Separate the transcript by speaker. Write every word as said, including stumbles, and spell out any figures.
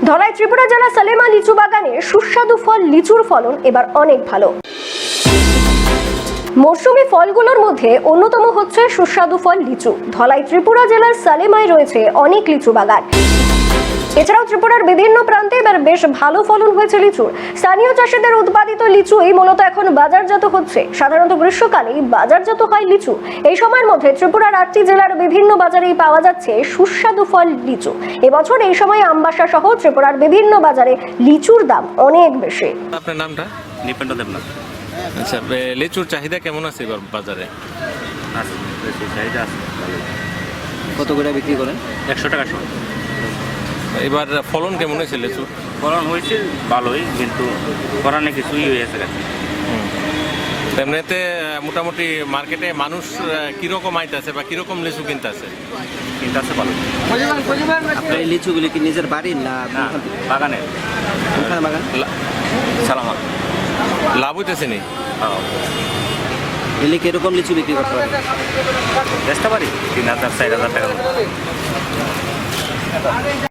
Speaker 1: ধলাই ত্রিপুরা জেলা সালেমা লিচু বাগানে সুস্বাদু ফল লিচুর ফলন এবার অনেক ভালো। মৌসুমী ফলগুলোর মধ্যে অন্যতম হচ্ছে সুস্বাদু ফল লিচু। ধলাই ত্রিপুরা জেলার সালেমায় রয়েছে অনেক লিচু বাগান। এছাড়াও ত্রিপুরার বিভিন্ন প্রান্তে এবার বেশ ভালো ফলন হয়েছে লিচুর। স্থানীয় চাষিদের উৎপাদিত লিচুই মূলত এখন বাজারজাত হচ্ছে। সাধারণত গ্রীষ্মকালেই বাজারজাত হয় লিচু। এই সময়ের মধ্যে ত্রিপুরার আটটি জেলার বিভিন্ন বাজারেই পাওয়া যাচ্ছে সুস্বাদু ফল লিচু। এবছর এই সময় আমবাসা সহ ত্রিপুরার বিভিন্ন বাজারে লিচুর দাম অনেক বেশি।
Speaker 2: আপনার নামটা?
Speaker 3: নিপেন্দ্র দেবনাথ।
Speaker 2: আচ্ছা, লিচুর চাহিদা কেমন আছে এবার বাজারে?
Speaker 3: আছে, বেশি চাহিদা আছে।
Speaker 4: কত করে বিক্রি করেন?
Speaker 3: একশো টাকা শো।
Speaker 2: এবার ফলন কেমন হয়েছে লিচুর?
Speaker 3: ফলন হয়েছে ভালোই, কিন্তু করানে কিছুই হয়েছে।
Speaker 2: এমনিতে মোটামুটি মার্কেটে মানুষ কিরকম আইতেছে বা কিরকম লিচু কিনতে আছে?
Speaker 3: কিন্তু আছে ভালো।
Speaker 4: আপনার এই লিচুগুলি কি নিজের বাড়ির না
Speaker 3: না, বাগানের।
Speaker 4: কোনখানে বাগান?
Speaker 3: সালামা।
Speaker 2: লাভ হইতেছে নি?
Speaker 4: এলে কিরকম লিচু বিক্রি করতে পারেন?
Speaker 3: চেষ্টা পারি তিন হাজার চার হাজার টাকা।